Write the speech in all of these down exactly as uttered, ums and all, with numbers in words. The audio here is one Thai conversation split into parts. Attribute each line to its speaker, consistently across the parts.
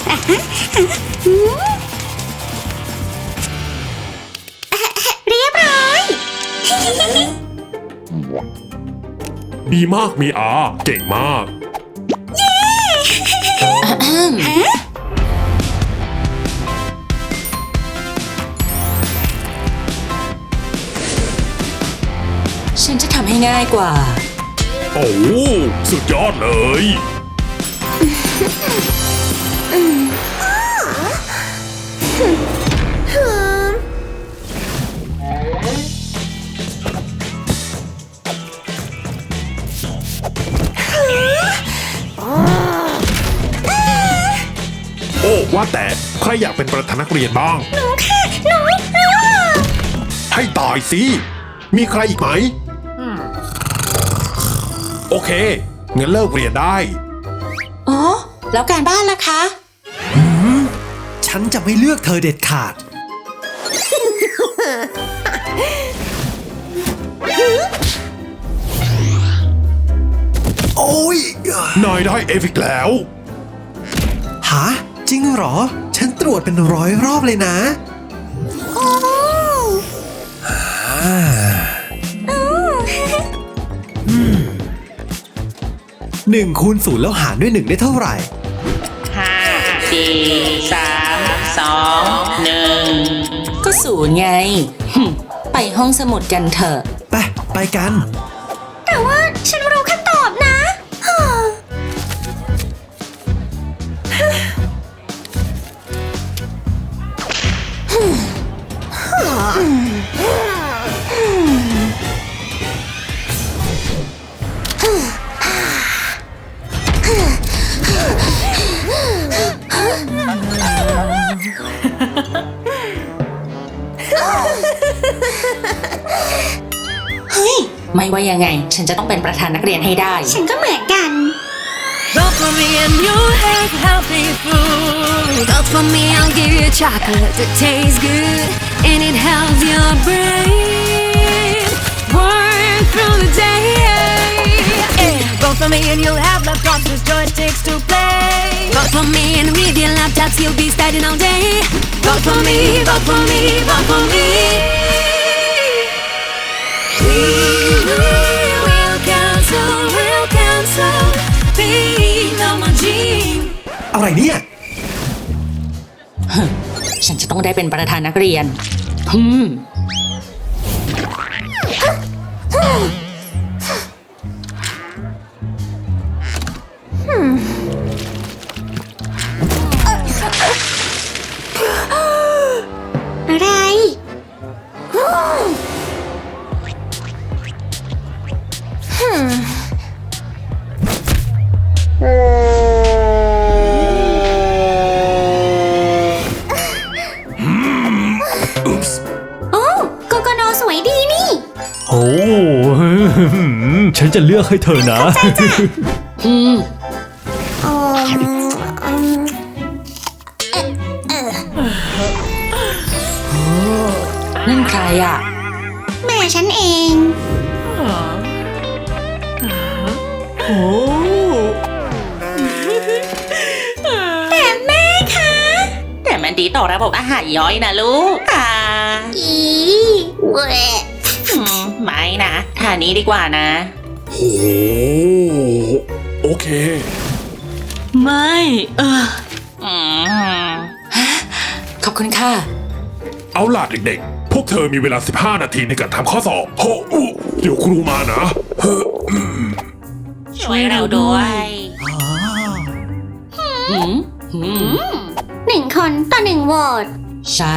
Speaker 1: เรียบร้อย
Speaker 2: ดีมากมีอาเก่งมาก
Speaker 3: ฉันจะทำให้ง่ายกว่า
Speaker 2: โอ้สุดยอดเลยโอ้ว่าแต่ใครอยากเป็นประธานนักเรียนบ้าง
Speaker 1: หนูค่ะหนูหนู
Speaker 2: ให้ตายสิมีใครอีกไหมโอเคงั้นเลิกเรียนได้
Speaker 3: อ๋อแล้วการบ้านล่ะคะ
Speaker 4: ฉันจะไม่เลือกเธอเด็ดขาดโอ้ย
Speaker 2: นายได้เอฟอีกแล้ว
Speaker 4: ฮะจริงเหรอฉันตรวจเป็นร้อยรอบเลยนะ
Speaker 1: โอ้
Speaker 4: หนึ่งคูณศูนย์แล้วหารด้วยหนึ่งได้เท่าไหร่
Speaker 5: ห้าสี่สามสองหนึ่ง
Speaker 3: ก็ศูนย์ไงไปห้องสมุดกันเถอะ
Speaker 4: ไปไปกัน
Speaker 1: แต่ว่าฉันรู้คำตอบนะ
Speaker 3: เฮ้ยไม่ว่ายังไงฉันจะต้องเป็นประธานนักเรียนให้ได้
Speaker 1: ฉันก็เหมือนกัน
Speaker 6: Vote for me and you'll have healthy food. Vote for me, I'll give you chocolate that tastes good and it helps your brain work through the day. Yeah. Vote for me and you'll have laptops with joysticks to play. Vote for me and with your laptops you'll be studying all day. Vote for me, vote for me, vote for me. We will cancel, we'll cancel.
Speaker 4: อะไรเนี่ย
Speaker 3: ฉันจะต้องได้เป็นประธานนักเรียนฮึม
Speaker 1: อะไร
Speaker 4: โอ้ฉันจะเลือกให้เธอนะ
Speaker 3: อืมนั่นใครอ่ะ
Speaker 1: แม่ฉันเอง
Speaker 4: โอ้
Speaker 1: แต่แม่คะ
Speaker 5: แต่มันดีต่อระบบอาหารย่อยนะลูกอ่า
Speaker 1: อีเว้ย
Speaker 5: ไม่นะทานนี้ดีกว่านะ
Speaker 2: โอ้โอเค
Speaker 3: ไม่เออขอบคุณค่ะ
Speaker 2: เอาล่ะเด็กๆพวกเธอมีเวลาสิบห้านาทีในการทำข้อสอบโอ้เดี๋ยวครูมานะ
Speaker 5: ช่วยเราด้วย
Speaker 1: หนึ่งคนต่อหนึ่งโหวต
Speaker 3: ใช่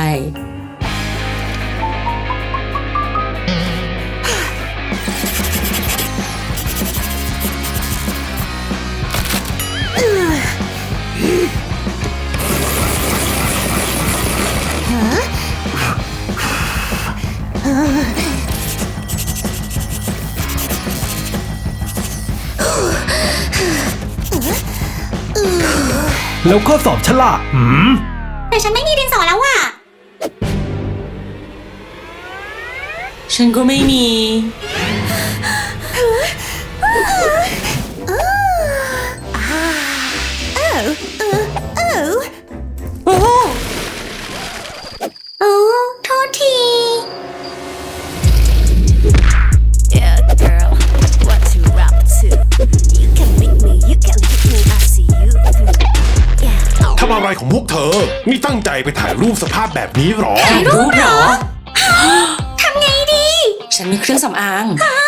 Speaker 4: แล้วข้อสอบฉลาดหืม
Speaker 1: แต่ฉันไม่มีดินสอแล้วว่ะ
Speaker 3: ฉันก็ไม่มี
Speaker 2: อะไรของพวกเธอ นี่ตั้งใจไปถ่ายรูปสภาพแบบนี้หรอ
Speaker 3: ถ่ายรูปเหรอ
Speaker 1: ทำไงดี
Speaker 3: ฉันมีเครื่องสำอาง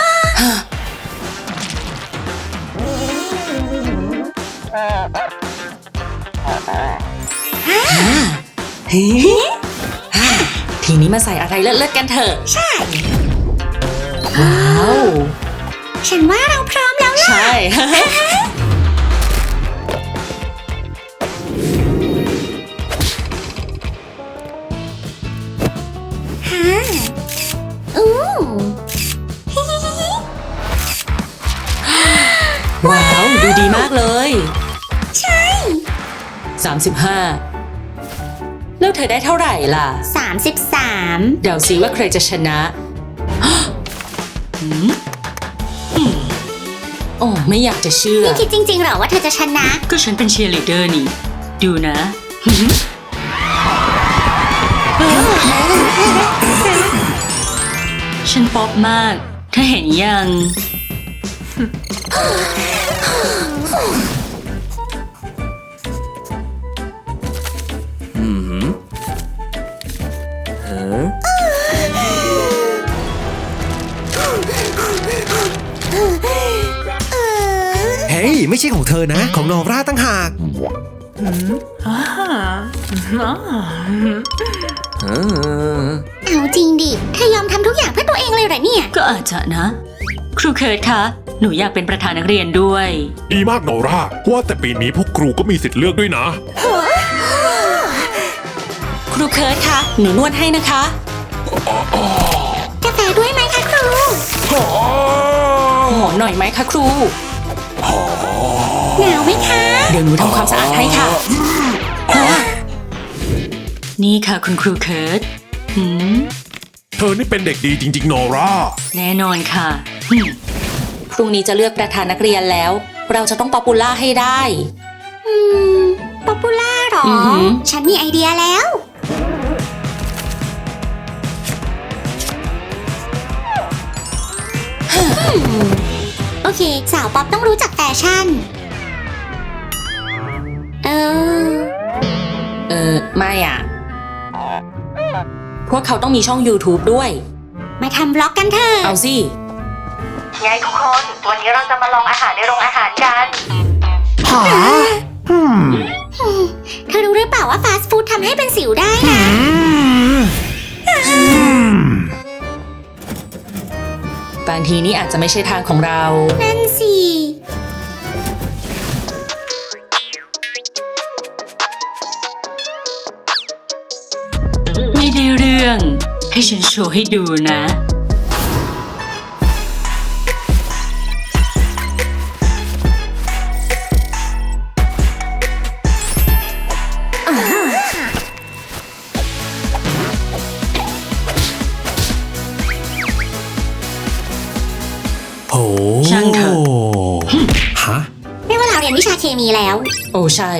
Speaker 3: เฮ้ยทีนี้มาใส่อะไรเลิศๆกันเถอะ
Speaker 1: ใช่
Speaker 3: ว้าว
Speaker 1: ฉันว่าเราพร้อมแล้วล่ะ
Speaker 3: ใช่
Speaker 1: ฮะอู้
Speaker 3: ว้าว ดูดีมากเลย
Speaker 1: ใช่
Speaker 3: สามสิบห้า แล้วเธอได้เท่าไหร่ล่ะ
Speaker 1: สามสิบสาม
Speaker 3: เดาซิว่าใครจะชนะ หืมอืมโอ้ไม่อยากจะเชื่อ
Speaker 1: นี่คิดจริงๆเหรอว่าเธอจะชนะ
Speaker 5: ก็ฉันเป็นเชียร์ลีดเดอร์นี่ ดูนะ ฉันป๊อปมากเธอเห็นยัง
Speaker 4: เฮ้ย ไม่ใช่ของเธอนะ ของนอร่าตั้งหาก
Speaker 1: เอาจริงดิ เธอยอมทำทุกอย่างเพื่อตัวเองเลยเหรอเนี่ย
Speaker 5: ก็อาจจะนะ ครูเคิร์ดคะ หนูอยากเป็นประธานนักเรียนด้วย
Speaker 2: ดีมากโนราว่าแต่ปีนี้พวกครูก็มีสิทธิ์เลือกด้วยนะ
Speaker 3: ครูเคิร์ดคะ หนูนวดให้นะคะ
Speaker 1: กาแฟด้วยไหมคะครู
Speaker 3: หอมหน่อยไหมคะครู
Speaker 1: หนาวไหมคะ
Speaker 3: เดี๋ยวหนูทำความสะอาดให้ค่ะฮะ
Speaker 5: นี่ค่ะคุณครูเคิร์ดหืม
Speaker 2: เธอนี่เป็นเด็กดีจริงๆโนรา
Speaker 5: แน่นอนค่ะหืม
Speaker 3: พรุ่งนี้จะเลือกประธานนักเรียนแล้ว เราจะต้องป๊อปปูล่าให้ได้
Speaker 1: อืม ป๊อปปูล่าหรอ
Speaker 3: อือหือ
Speaker 1: ฉันมีไอเดียแล้ว โอเค สาวป๊อปต้องรู้จักแฟชั่น เออ
Speaker 3: เออ ไม่อ่ะ พวกเขาต้องมีช่อง YouTube ด้วย
Speaker 1: มาทำบล็อกกันเถอะ
Speaker 3: เอาสิ
Speaker 7: ไงทุกคน วันนี้เราจะมาลองอาหารในโรงอาหารกัน
Speaker 1: เธอรู้หรือเปล่าว่าฟาสต์ฟู้ดทำให้เป็นสิวได้นะ
Speaker 3: บางทีนี่อาจจะไม่ใช่ทางของเรา
Speaker 1: นั่นสิ
Speaker 5: ไม่ได้เรื่อง ให้ฉันโชว์ให้ดูนะ
Speaker 4: โอ้
Speaker 5: ช่างเถอะ
Speaker 4: ฮะ
Speaker 1: ไม่ว่าเราเรียนวิชาเคมีแล้ว
Speaker 3: โอ้ใช่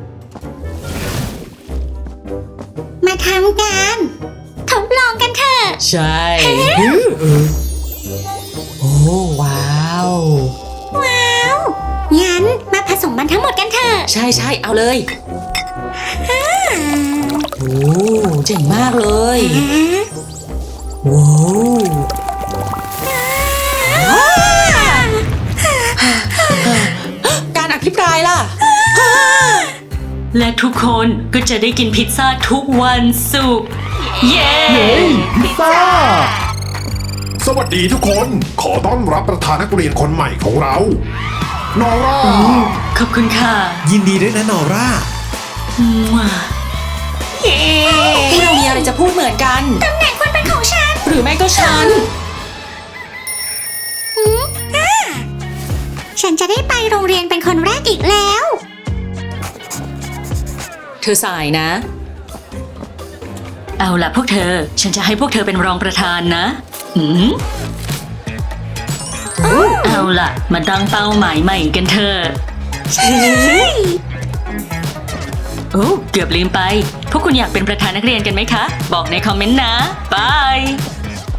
Speaker 1: มาทำกันทดลองกันเถอะ
Speaker 3: ใช่โอ้ว้าว
Speaker 1: ว้าว งั้นมาผสมมันทั้งหมดกันเถอะ
Speaker 3: ใช่ใช่เอาเลย โอ้เจ๋งมากเลย ว้าวการอภิปรายล่ะ
Speaker 5: และทุกคนก็จะได้กินพิซซ่าทุกวันศุกร์เย้
Speaker 2: สวัสดีทุกคน ขอต้อนรับประธานนักเรียนคนใหม่ของเราโนรา
Speaker 5: ขอบคุณค่ะ
Speaker 4: ยินดีด้วยนะนอร่า
Speaker 5: มั่ว
Speaker 3: พวกเรามีอะไรจะพูดเหมือนกัน
Speaker 1: ตำแหน่งควรเป็นของฉัน
Speaker 3: หรือไม่ก็ฉัน
Speaker 1: หืมอ่าฉันจะได้ไปโรงเรียนเป็นคนแรกอีกแล้ว
Speaker 3: เธอสายนะ
Speaker 5: เอาล่ะพวกเธอ ฉันจะให้พวกเธอเป็นรองประธานนะหืมเอาล่ะ มาตั้งเป้าหมายใหม่กันเถอะ โอ้เกือบลืมไป พวกคุณอยากเป็นประธานนักเรียนกันไหมคะ บอกในคอมเมนต์นะบาย